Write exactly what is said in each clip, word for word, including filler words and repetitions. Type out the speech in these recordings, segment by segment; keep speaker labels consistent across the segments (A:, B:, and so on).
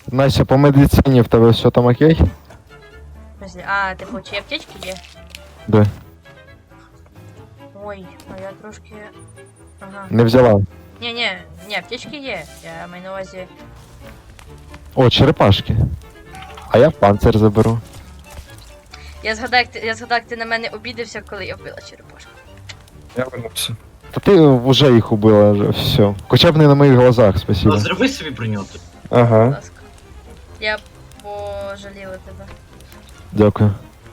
A: Настя, по медицині в тебе все там окей?
B: Подожди, а, типу, чи аптечки є?
A: Да.
B: Ой, а я трошки... Ага.
A: Не взяла.
B: Ні-ні, ні, аптечки є. Я маю на увазі...
A: О, черепашки. А я панцир заберу.
B: Я згадав, як ти, я згадав, як ти на мене обідався, коли я вбила черепашку.
C: Я вернувся.
A: Та ти вже їх убила, вже, все. Хоча б не на моїх глазах, спасибо.
D: Ну, зроби собі броню.
B: Будь
C: Ага.
B: ласка. Я пожаліла тебе.
A: Дякую.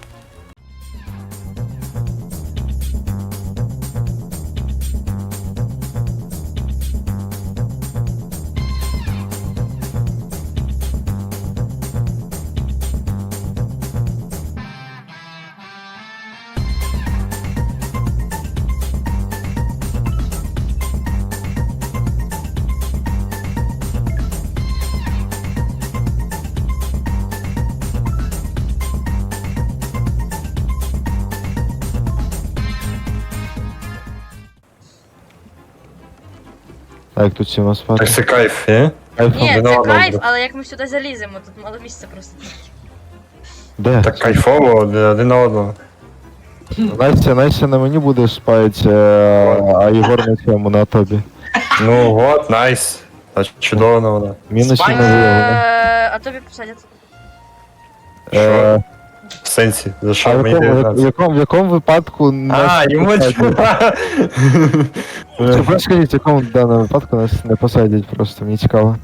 A: Так, тут всі у нас
C: Так
A: спати.
C: це кайф, є?
A: Кайфом.
B: Ні, це
C: виновата
B: кайф,
C: буде.
B: але як ми сюди заліземо, тут мало місця просто.
A: Де?
C: Так кайфово, один на одного.
A: Настя, Настя на мені буде спати, е, а Єгор на цьому, на тобі.
C: Ну от, найс. Та чудово вона.
A: Мінус
D: Спать?
A: не виявлено.
B: Е, А тобі посадять.
A: Е,
C: В сенсі, за
A: А
C: що
A: в
C: мені
A: якому, в
C: дев'ятнадцять?
A: якому, в якому випадку
C: А,
A: нас
C: йому
A: не посадять? Чи просто скажіть, в якому даному випадку нас не посадять просто, мені цікаво.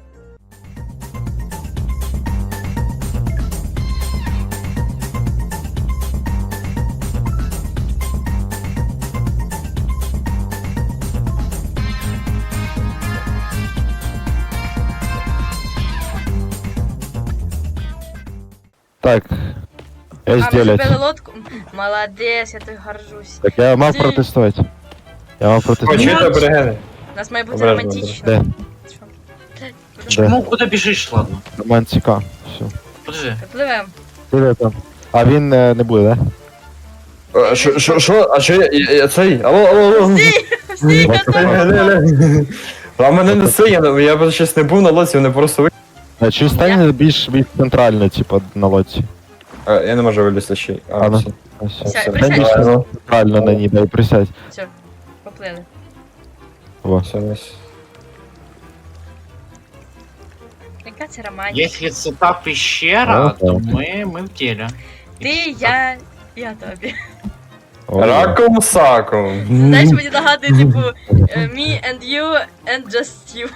A: Так, я
B: А, ми
A: сделать.
B: зробили лодку. Молодець, я тобі горжусь.
A: Так, я мав
B: Стій.
A: протестувати. Я мав
C: О,
A: протестувати.
C: чуєте аборигени?
B: У нас має бути
C: Обережно,
B: романтично.
A: Де?
B: Що?
A: Де?
D: Ну, куди біжиш, ладно.
A: Романтика. Все.
D: Подожди.
B: Пливемо.
A: Де там? А він е, не буде, да?
C: Е, Що, що, що? А що я, я, я цей? Алло, алло, алло.
B: Стій,
A: Вот
B: готово.
C: Ля, ля, ля. А мене не це, я, я б щось не був на лоці, вони просто ви...
A: А чи стане більш більш центрально, типу, на лодці?
C: А, я не можу вилізти ще. А,
A: А, ну.
C: все.
A: А, все.
B: Сядь,
C: все.
B: присядь.
A: Більш
C: Давай, ну.
A: центрально на ній, дай присядь.
B: Все, поплили.
A: Во.
C: Все, найс.
B: Яка це романтика?
D: Якщо це та пещера,
A: Ага.
D: то ми, ми в тілі.
B: Ти, я, я тобі.
A: О,
C: Раком саком.
B: Знаєш, мені нагадує, типу, е, me and you and just you.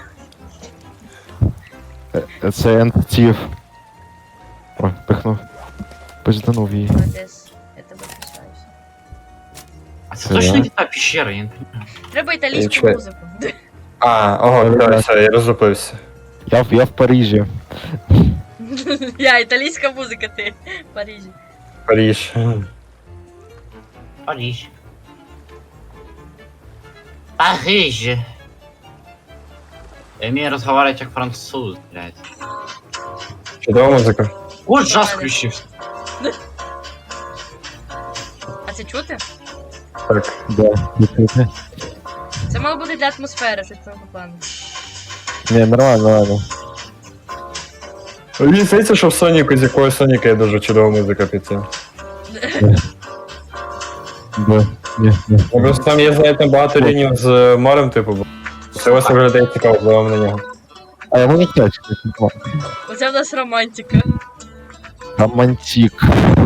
A: е, Це ентів. Ой, пихнув. Пизданув її.
B: Молодець, я тебе пишаюся.
D: А це
A: Це
D: точно
A: я?
D: не та пещера, я не розумію.
B: Треба італійську
C: Чекай.
B: музику.
C: А, ого, давай, все, я розлупився.
A: Я, в- я в Парижі.
B: Я, італійська музика, ти в Парижі.
C: Париж.
D: Париж. Париж. Я вмію розмовляти як француз, блядь.
C: Чудова музика.
D: О, джаз включився.
B: А це чути?
C: Так.
A: Да, відкрити.
B: Це мало бути для атмосфери, щось того плану.
A: Ні, нормально, нормально.
C: Мені здається, що в Соніку, з якого Соніка є дуже чудова музика під це.
A: Да. Ні, ні.
C: Ну, просто там є, знаєте, багато лінів з е, морем, типу, бо це ось виглядає цікаво, впливаємо на нього.
A: А йому не тачки.
B: Оце в нас романтика.
A: Романтик.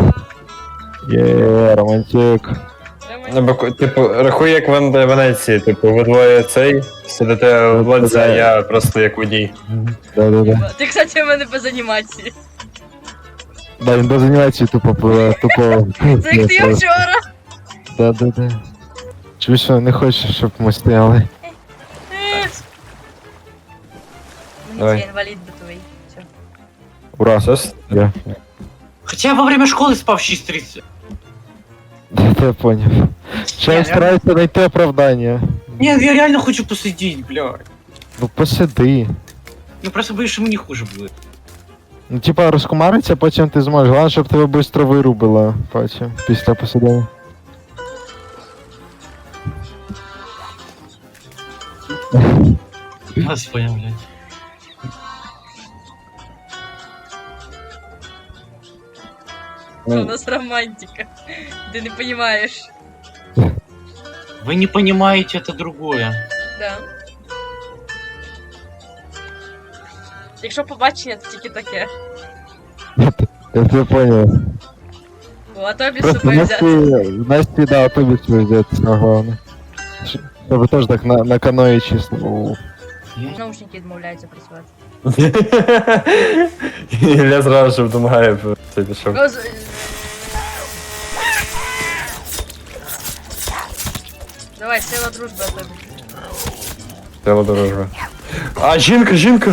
A: Є, романтик.
C: Ну, бо, типу, рахуй як в Вен- Венеції, типу, ви двоє цей, сидите в лодці, а я просто як водій.
A: Да-да-да.
B: Ти, кстати, в мене без анімації.
A: Да, він без анімації тупо пливе, тупо.
B: Це як ти вчора.
A: Да-да-да. Чуєш, що не хочеш, щоб ми стояли?
B: Е. Мені
C: Давай.
B: це інвалід битовий. Все.
A: Ура.
C: Все с-
A: Я.
D: Хоча я во время школи спав в шість тридцять.
A: Да, я понял. Ще я
D: Я-
A: стараюся знайти оправдання.
D: Ні, я реально хочу посидіти, блядь.
A: Ну посиди.
D: Я просто боюсь, що мені хуже буде.
A: Ну типа розкумариться, потім ти зможеш. Головне, щоб тебе швидко вирубило потім, після посидання.
D: Господи, блядь.
B: Що у нас романтика. Ти не розумієш.
D: Вы не понимаете, это другое.
B: Да. Якщо побачення, то тільки таке.
A: Я тебе понял.
B: О, а тобі з
A: Просто
B: собою
A: Насті,
B: взяти.
A: Насті, да, автобус везет, а головне. Щ- Щоб теж так на, на каної чисто. О,
B: Наушники відмовляються працювати.
C: Ілля зразу ж допомагає, це пішов.
B: О, з- Давай, сила дружби, а тобі.
C: Треба дорожга. А, жінка, жінка!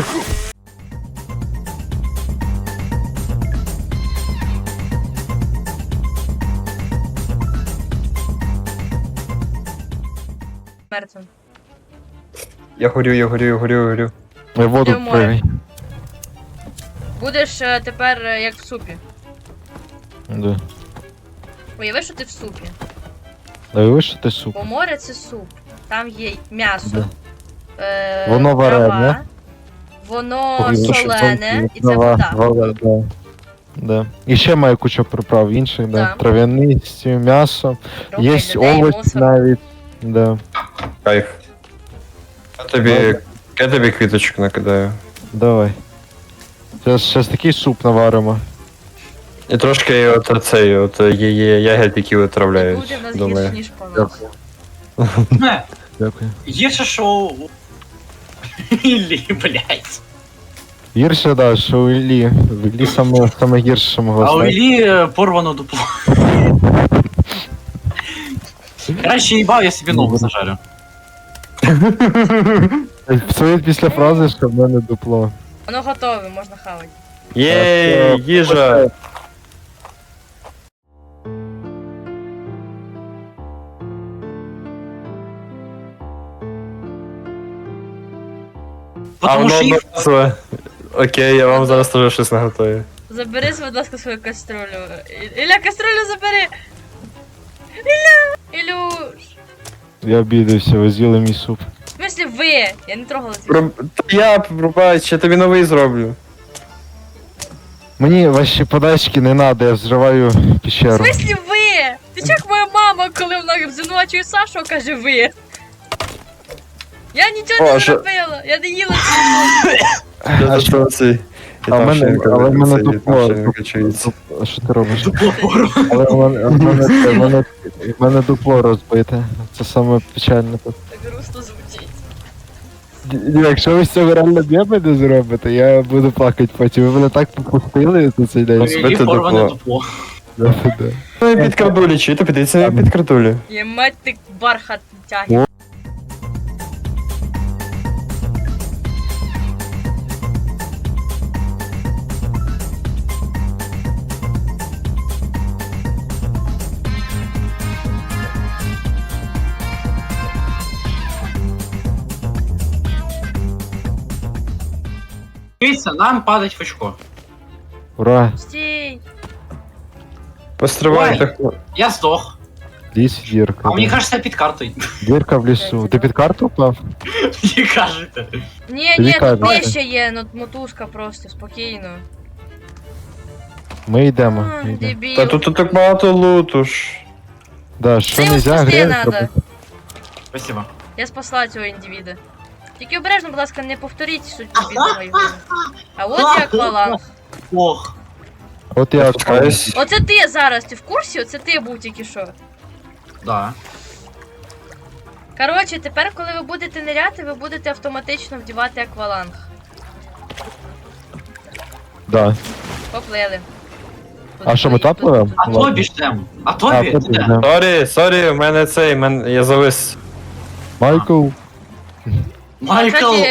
B: Мертвим.
C: Я горю, я горю, я горю, я горю.
A: Я в воду
B: Ти в море.
A: прыгай.
B: Будеш е, тепер е, як в супі.
A: Да.
B: Уяви, що ти в супі.
A: Да ви що ти суп?
B: Бо море це суп. Там є м'ясо.
A: Да.
B: Е,
A: Воно варене.
B: трава, Воно
A: Ой,
B: солене, і це
A: Трава,
B: вода.
A: вода, да. Да. І ще має кучу приправ інших, да.
B: Да.
A: Трав'яниці, м'ясо.
B: Трохи
A: Є
B: людей,
A: овочі
B: мусор.
A: навіть. Да.
C: Кайф. Я тобі, я тобі квіточок накидаю.
A: Давай. Зараз, зараз такий суп наваримо.
C: І трошки от цей, от є, є ягід, які отравляють.
B: Буде в нас
C: Думаю.
B: гірше, ніж по нас.
D: Не,
A: Дякую.
D: є ще що... Іллі, блядь.
A: Гірше, да, що у Іллі. В Іллі саме, саме гірше, що могло
D: А у
A: стати.
D: Іллі е, порвано дупло. Краще їбав, я собі ногу зажарю.
A: В своїй після фрази, що в мене дупло.
B: Воно готове, можна хавати.
C: Єй, їжа! А
D: Потому
C: воно
D: що їх...
C: одноразове. Окей, я вам зараз теж щось наготую.
B: Забери, будь ласка, свою каструлю. І- Ілля, каструлю забери! Ілля! Ілюш!
A: Я обідався, ви з'їли мій суп.
B: В смислі ви? Я не трогала цей.
C: Про- Та я, пробач, я тобі новий зроблю.
A: Мені ваші подачки не треба, я взриваю
B: В
A: пещеру.
B: смислі ви? Ти чого як моя мама, коли вона звинувачує Сашу, каже ви? Я нічого
C: О,
B: не
C: що-
B: зробила, я не їла цей.
A: А що?
C: цей?
A: А в мене, але в мене дупло.
C: качується.
A: А що ти робиш?
D: Дупло порвано.
A: Але в мене, в мене, в мене, в мене дупло розбите. Це саме печальне тут.
B: Так грустно звучить.
A: Ні, Якщо ви з цього реально бєби не зробите, я буду плакати потім. Ви мене так попустили за цей
D: У
A: день.
D: Іллі
C: Збите
D: порване
C: дупло.
D: дупло.
A: Да, да.
C: Ну, під крадулі, чи то підійться на під крадулі.
B: Ємать ти бархат тягне.
D: Дивіться, нам падать в очко.
A: Ура!
B: Стій!
C: Постривай,
D: Ой.
C: так.
D: Я здох.
A: Ліс дірка.
D: А мені
A: да.
D: кажется, я під картою.
A: Дірка в лісу. Ти під карту впав?
D: Мені кажете.
B: Ні,
A: Тобі
B: ні, тут
A: кажуть.
B: нижче є, ну мотузка просто, спокійно.
A: Ми йдемо.
B: А,
A: ми йдемо.
B: Дебіл.
C: Та тут, тут так багато луту ж.
A: Да, що
B: Ти його
A: нельзя
B: спасти
A: грязь
B: надо.
A: робити?
D: Спасибо.
B: Я спасла цього індивіда. Тільки обережно, будь ласка, не повторіть судьбу бідного його. А от як акваланг.
D: Ох.
A: От
C: Я
A: я
C: спускаюсь.
B: Оце ти зараз, ти в курсі? Оце ти був тільки що.
D: Да.
B: Коротше, тепер, коли ви будете ниряти, ви будете автоматично вдівати акваланг.
A: Да.
B: Поплили.
A: А що, ми там пливемо?
D: А тобі ж там. А
A: А,
D: тобі?
A: тобі,
D: Де?
A: да.
C: Сорі, сорі, в мене цей, мен... я завис.
A: Майкл.
D: Майкл.
B: Кстати,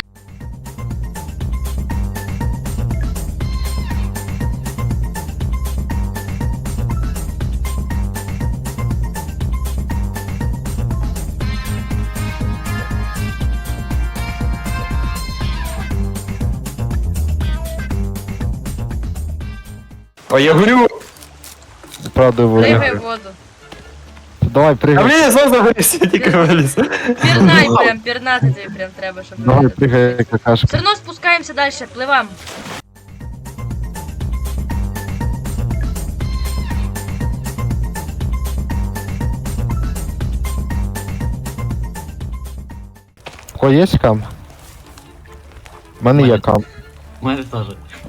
C: О, я горю!
A: Правда,
B: пригай
A: воду.
B: в воду.
A: Давай,
C: А
A: пригай.
C: блін, я знову загорівся, я тільки виліз.
B: Пірнай прям, пірнати тобі прям треба, щоб...
A: Давай, пригай,
B: Все
A: какашка.
B: одно спускаємося далі, пливам.
A: О, є кам? У мене є
D: Мене-
A: кам.
D: У мене теж.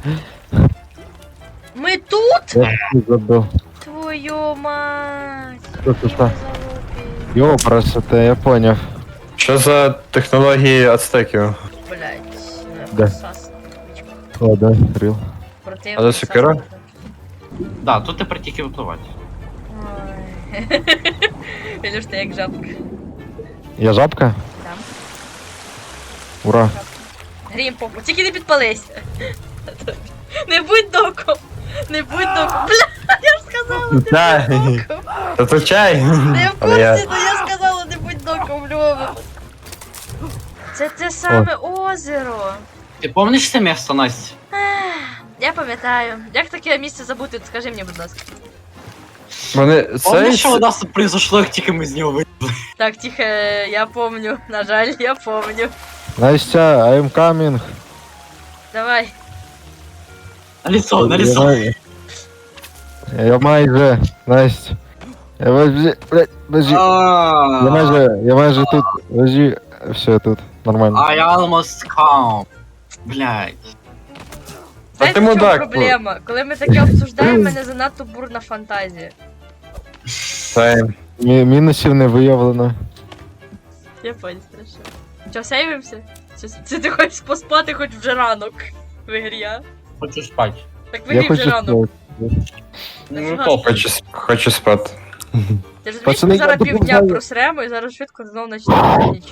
B: Ми тут?
A: Я тут забив.
B: Твою мать.
A: Що це, що?
B: Залупі.
A: Йо, красота, я поняв.
C: Що за технології ацтеків?
B: Блять.
A: Де?
B: Сас.
A: О, да, рил.
B: Противник.
C: А це сокира?
B: Сас.
D: Да, тут тепер тільки випливати.
B: Ой. Ілюш, ти як жабка.
A: Я жабка?
B: Там.
A: Ура.
B: Грім попу. Тільки не підпались. Не будь доком. Не будь доком. Бля, я ж сказала, не
C: Да.
B: будь доком.
C: Та то чай.
B: Та я в
C: Але я-
B: курсі, но я сказала, не будь доком, Льова. Це те саме озеро.
D: Ти пам'ятаєш це місто, Настя?
B: Ех, Я пам'ятаю. Як таке місце забути? Скажи мені, будь ласка.
C: Вони
D: Пам'ятаєш,
C: цей...
D: що у нас тут произошло, як тільки ми з нього вийшли?
B: Так, тихо, я помню. На жаль, я помню.
A: Настя, I'm coming.
B: Давай.
D: На лицо, на
A: Я
D: лицо.
A: май- Я майже, Настя. Я майже, блядь, подожди. Я майже, я майже тут, подожди. Все, тут, нормально.
D: I almost come. Блядь.
C: А ти
B: Знаєте, в чому
C: мудак,
B: проблема? Коли ми таке обсуждаємо, в мене занадто бурна фантазія.
C: Цей.
A: Мі- Мінусів не виявлено.
B: Я понял, страшно. Чо, сейвимося? Чи, чи ти хочеш поспати хоч вже ранок в ігрі, а?
D: Хочу спати.
B: Так в
A: Я
B: ігрі
A: хочу
B: вже ранок.
A: спати.
D: Ну,
B: Нафіга?
D: топ.
C: Хочу, с- хочу спати.
B: Ти ж розумієш,
A: Пацани,
B: ми
A: я
B: зараз півдня
A: допомагаю.
B: просремо і зараз швидко знову почнемо ніч.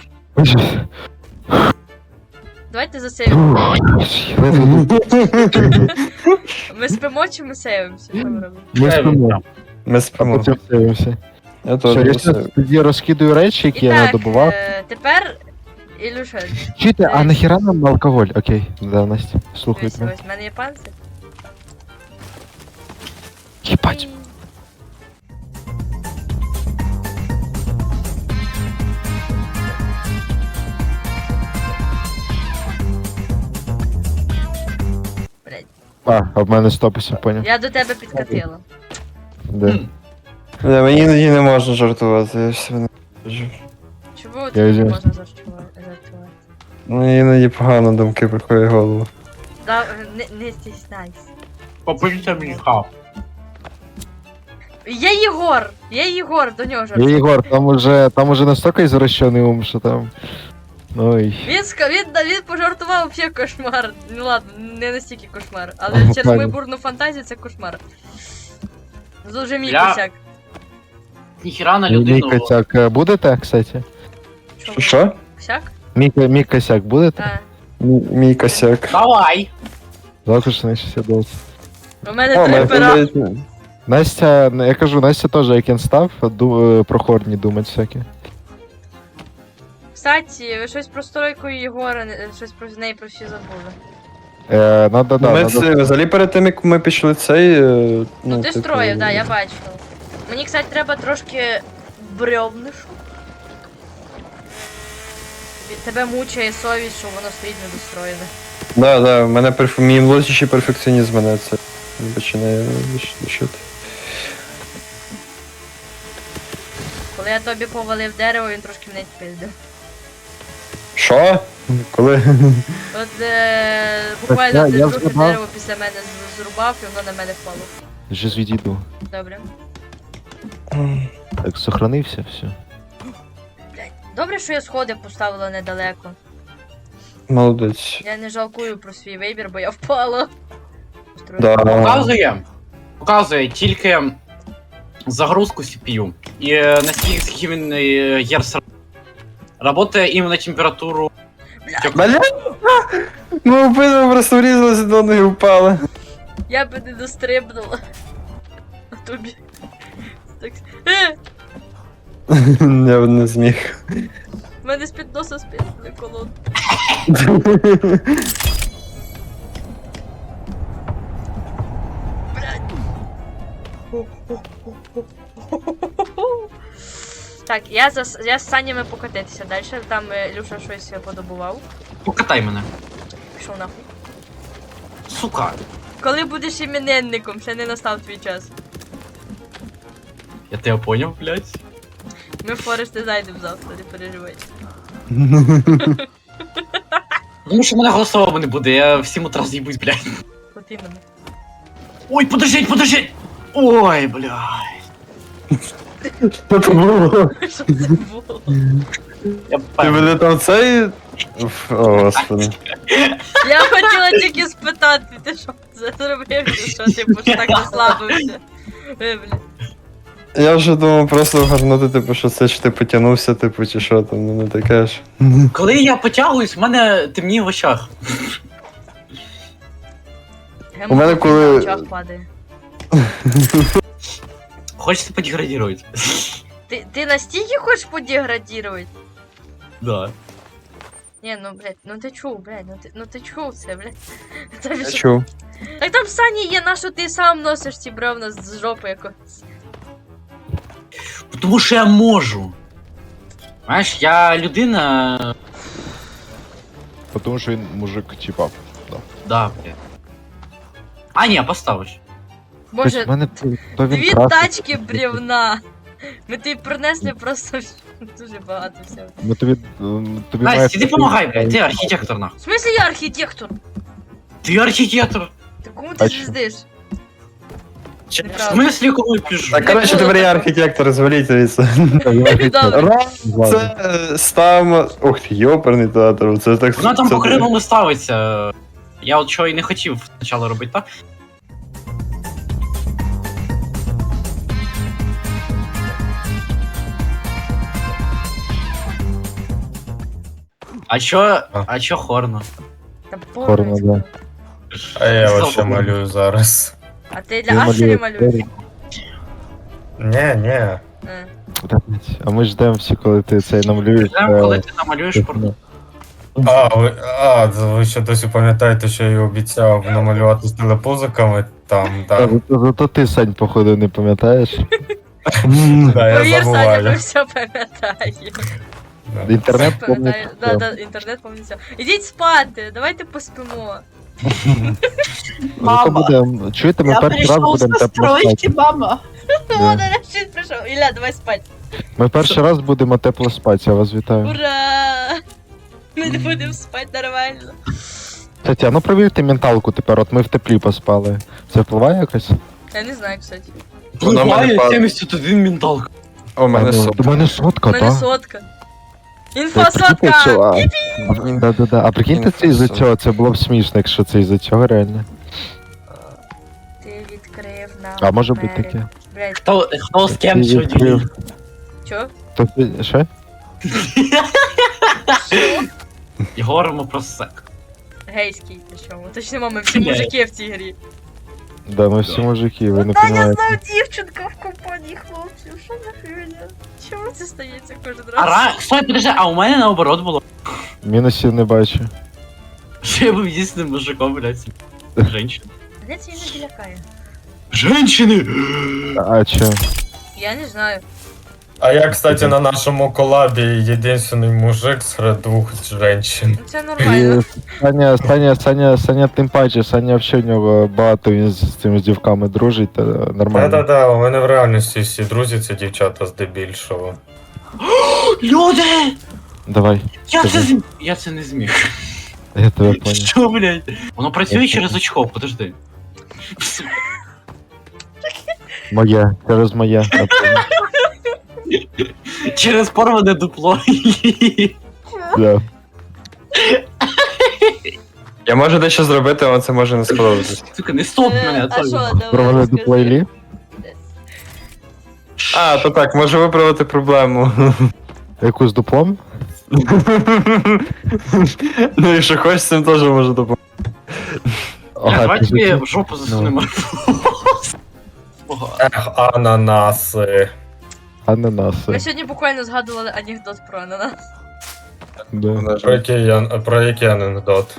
B: Давайте засейвимо. Ми спимо чи ми сейвимося? Що ми робимо?
A: Ми спимо.
C: Ми
A: А
C: спимо.
A: потім сейвимося.
C: Я
A: Що,
C: теж
A: я
C: не
A: щас тоді розкидаю речі, які
B: І
A: я
B: так,
A: надобував.
B: е, тепер, Ілюша,
A: Чуєте, а нахіра нам алкоголь? Окей, да, Настя, слухай
B: дивись,
A: тебе.
B: ось в мене є панцир.
A: Їбать.
B: Блядь,
A: А, а в мене стопися, поняв.
B: я до тебе підкатила.
A: Де?
C: Не, мені іноді не можна жартувати, я все не можу.
B: Чому тобі не
A: візьму.
B: можна жартувати? жартувати?
C: Мені іноді погано думки приходять в голову.
B: Да, не, не стісняйся.
D: Попишіть мені хав.
B: Є Єгор! Є Єгор, до нього
A: Я
B: жартую.
A: Єгор, там уже, там уже настільки извращений ум, що там... Ой.
B: Він, ска- він, він пожартував взагалі кошмар. Ну ладно, не настільки кошмар. Але
A: Ага,
B: через мою
A: правильно.
B: бурну фантазію це кошмар. Дуже мій
D: Я-
B: косяк.
D: Ніхіра на
A: Мій, мій
D: людину.
A: косяк е, будете, кстати?
B: Чого?
C: Що?
B: Косяк?
A: Мій, мій косяк будете?
B: Так.
C: Мій, мій косяк.
D: Давай.
A: Завтра ж на шістдесят.
B: У мене
C: О,
B: три
C: мене
B: пера.
C: навіть-
A: Настя, я кажу, Настя теж як він став, ду, е, про хорні думать всякі.
B: Кстати, ви щось про стройку Єгора, не- щось про неї про всі забули.
A: Е, надо, да,
C: Ми
A: надо...
C: це, взагалі перед тим, як ми пішли цей... е,
B: Ну, ти
C: типу,
B: строїв, да, я бачила. Мені, кстати, треба трошки бревнишу. Від тебе мучає совість, що воно стоїть недостроєне.
C: Да, да, в мене перф... мій внутрішній перфекціонізм мене це починає душити.
B: Коли я тобі повалив дерево, він трошки мене пиздив.
C: Що? Коли?
B: От е, буквально
A: я-
B: ти
A: я
B: трохи
A: згадав.
B: дерево після мене з- зрубав, і воно на мене впало.
A: Вже відійду.
B: Добре.
A: Так, сохранився, все.
B: Добре, що я сходи поставила недалеко.
C: Молодець.
B: Я не жалкую про свій вибір, бо я впала.
C: Да.
D: Показує. Показує тільки загрузку сі пі ю. І е, наскільки він е, єрс работає іменно температуру.
C: Бля! Ми обидва просто врізалися до ноги і впали.
B: Я би не дострибнула. А тобі. Так. Е!
C: Я б не зміг.
B: В мене з-під носа списали колон. Так, я за я з санями покатитися далі. Там е, Люша щось подобував.
D: Покатай мене.
B: Пішов нахуй.
D: Сука.
B: Коли будеш іменинником, ще не настав твій час.
D: Я тебе поняв, блядь.
B: Ми в Форест не зайдемо завтра, не переживай.
D: Тому що в мене голосового не буде, я всім утра з'їбусь, блядь.
B: От іменно.
D: Ой, подождіть, подождіть! Ой, блядь.
C: Що це було?
B: Що це було?
D: Я
C: Ти
D: певний.
C: мене там цей. Уф, О, господи.
B: Я хотіла тільки спитати, ти що це зробив, чи що типу що так розслабився. Ви, бля.
C: Я вже думав просто гарнути, типу, що це ж ти потягнувся, типу, чи що там, ну не таке ж.
D: Коли я потягуюсь, в мене темніє в очах.
B: Геморрой
C: мене коли-
B: на очах падає.
D: Хочете подеградувати?
B: Ти, ти настільки хочеш подеградувати?
D: Да.
B: Ні, ну, блядь, ну ти чув, блядь, ну ти, ну ти чув це, блядь. Тобі
C: Я
B: що?
C: чув.
B: Так там Сані є, на що ти сам носиш ці бревна з жопи якось.
D: Тому що я можу. Знаєш, я людина.
A: Тому що він мужик, типа.
D: Да, бля. А, ні, поставиш.
B: Боже,
A: в мене то він
B: дві
A: красить.
B: тачки бревна. Ми тобі принесли просто дуже багато всього.
A: Ми тобі, м, тобі має
D: Настя, іди
A: хтось-
D: помагай, блядь, ти архітектор нахуй.
B: В смысле я архітектор?
D: Ти архітектор.
B: Ти кому ти
A: А чо?
B: звіздиш?
D: В
B: Неправда.
D: смислі, кому я піжу?
C: Так, коротше, тепер я архітектор, зваліть звідси.
B: Добре.
C: Раз, це е, стам. Ух ти, йоперний театр, це так.
D: Вона там
C: це-
D: по кривому ставиться. Я от чого і не хотів спочатку робити так. А чо, а чо хорно?
B: Та
A: Хорно,
B: порно.
A: да.
E: А я
D: Слава
E: вообще
D: Богу.
E: малюю зараз.
B: А ти для Ашері малюєш?
E: Не, не.
B: Е.
A: Та, блядь, А ми ждемо всі, коли ти цей намалюєш.
D: Прям
A: е,
D: коли ти намалюєш порно.
E: А, ви, а, ви ще досі пам'ятаєте, що я обіцяв намалювати з телепузиками там,
A: Та,
E: так.
A: зато, зато ти, Сань, походу, не пам'ятаєш.
E: Да, я
B: Повір, Саня, ми
E: забуваю.
B: все пам'ятаємо.
E: Да.
A: Інтернет
B: Пам'ятаю, да,
A: пам'ятає.
B: да, інтернет пам'ятаю. Ідіть спати, давайте поспимо.
A: Зато буде, чуєте, ми перший раз будемо тепло спати.
D: мама.
B: О,
A: Да.
B: нарешті прийшов. Ілля, давай спати.
A: Ми перший раз будемо тепло спати, я вас вітаю.
B: Ура! Ми не будемо спати нормально.
A: Кстати, а ну провірте менталку тепер, от ми в теплі поспали. Це впливає якось?
B: Я не знаю, кстати.
C: Вона в мене
D: Буває
C: пад-
D: сімдесят один менталка.
C: О, мене
A: А, ну,
C: соп.
A: до мене сотка,
B: У мене
A: так?
B: сотка. Інфосотка!
A: Да-да-да. А прикиньте, це із-за цього, це було б смішно, якщо це із-за цього реально.
B: Ти відкрив нам
A: А може бути
B: двері.
A: таке.
B: Блядь,
D: Хто, хто з ким
A: Ти
D: сьогодні?
A: відкрив.
B: чо?
A: То ти- Що?
D: І говоримо про сек.
B: Гейський, причому. Точно, ми всі
D: Блядь.
B: мужики в цій грі.
A: Да, ми всі мужики, ви не
B: Таня
A: розумієте.
B: знов дівчинка в компанії хлопців. Що за хвиля? Чому це стається кожен
D: А
B: раз?
D: ра... Стой, подожди, а у мене наоборот було.
A: Мінусів не бачу.
D: Що я був єдиним мужиком, блядь. Женщина.
B: Мене це іноді лякає.
D: Женщини!
A: А чо?
B: Я не знаю.
E: А я, кстати, на нашому колабі єдиний мужик серед двох жінчин.
B: Ну це нормально.
A: І Саня, Саня, Саня, Саня тим паче, Саня взагалі в нього багато, він з цими дівками дружить, та нормально.
E: Да-да-да, у мене в реальності всі друзі це дівчата здебільшого.
D: Люди!
A: Давай,
D: Я це
A: Скажи.
D: зм... Я це не зміг.
A: я тебе понял.
D: Що, блядь? Воно працює
A: Я
D: через
A: понял.
D: очко, подожди.
A: Моє, через моє. я понял.
D: Через порване дупло.
A: Да.
C: Я можу дещо зробити, але це може не сподобатись.
D: Сука, не стоп мене,
B: Е,
D: а
B: А що,
D: то.
B: давай,
A: Провели
B: скажи.
A: до плейлі?
C: А, то так, можу виправити проблему.
A: Яку з дуплом?
C: Ну, якщо хочеш, з цим теж можу допомогти.
A: Ага,
D: Давай
A: ти
D: тобі
A: за-
D: в жопу засунемо. Ого.
E: Ех, ананаси.
A: Ананаси.
B: Ми сьогодні буквально згадували анекдот про ананас.
A: Да.
E: Про який, ан- про який анекдот?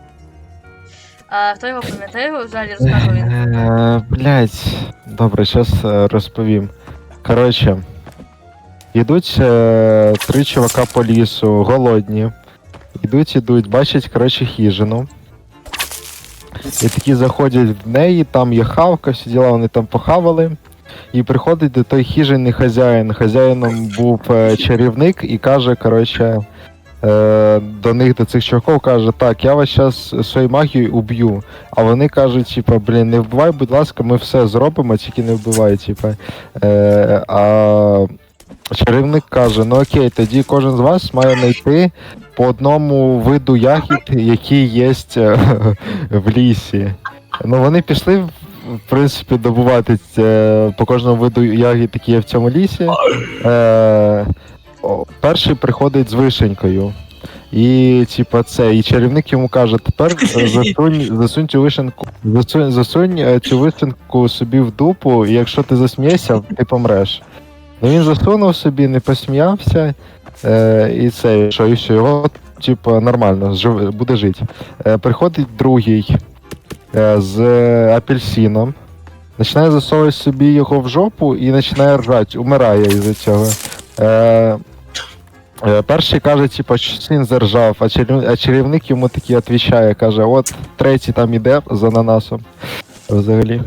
B: А хто його пам'ятає, його взагалі розказував він.
A: Е, Блять, добре, зараз розповім. Коротше, йдуть е, три чувака по лісу, голодні. Йдуть, ідуть, бачать, коротше, хижину. І такі заходять в неї, там є хавка, всі діла, вони там похавали. І приходить до той хижини хазяїн. Хазяїном був е, чарівник і каже, коротше, е, до них, до цих чуваків, каже, так, я вас зараз своєю магією уб'ю. А вони кажуть, типа, блін, не вбивай, будь ласка, ми все зробимо, тільки не вбивай, типа. Е, а чарівник каже, ну окей, тоді кожен з вас має знайти по одному виду ягід, які є в лісі. Ну вони пішли, в принципі, добувати е, по кожному виду ягід, які є в цьому лісі. Е, о, перший приходить з вишенькою. І, типа, це, і чарівник йому каже, тепер е, засунь, засунь цю вишенку, засунь, засунь е, цю вишенку собі в дупу, і якщо ти засмієшся, ти помреш. Ну він засунув собі, не посміявся, е, і це, що, і все, його, типа, нормально, жив, буде жити. Е, приходить другий е, з апельсином, починає засовувати собі його в жопу і починає ржати, умирає із-за цього. Е, е, перший каже, типа, що він заржав, а, чарів, а чарівник йому такий відповідає, каже, от третій там іде з ананасом. Взагалі.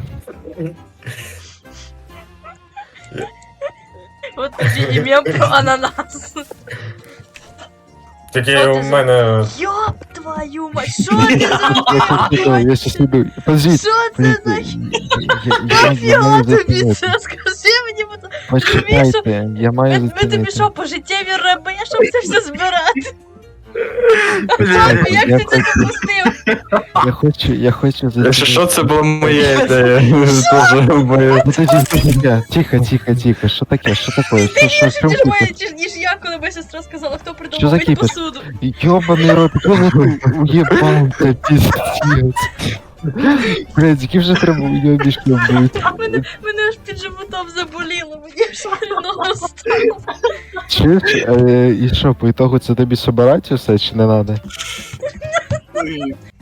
B: От тобі і мем про ананас.
E: Тільки
B: Що ти
E: у
B: за-
E: мене.
B: Йоп твою мать, що ти за...
A: Я щас іду, я щас іду. Подождіть.
B: Що це за...
A: Я маю
B: Нафіга тобі
A: зупинити.
B: це? Скажи мені, будь ласка.
A: Почекайте, я маю
B: Ми, ми тобі
A: зупинити.
B: що, пожиттєві раби, щоб це все збирати?
A: Почекайте,
B: Папа, як
A: я
B: ти це
A: хочу-
B: допустив?
A: Я хочу, я хочу
C: Якщо що,
A: зупинити.
C: це була моя ідея. Тоже моя.
A: Подождіть, тихо, тихо, тихо, тихо. Що таке? Що таке? Що, що, що,
B: Ти ж
A: що,
B: моя, ніж, ніж я, коли моя сестра сказала, хто
A: Що
B: придумав
A: за
B: мить
A: кіпіш?
B: посуду.
A: Йобаний рот, хто за ту уєбанка, піздець. Блядь, яким же треба уєбішки бути?
B: Мене, мене аж під животом заболіло, мені аж хреново стало.
A: Чуєш? Е, і що, по ітогу це тобі собирати все, чи не треба?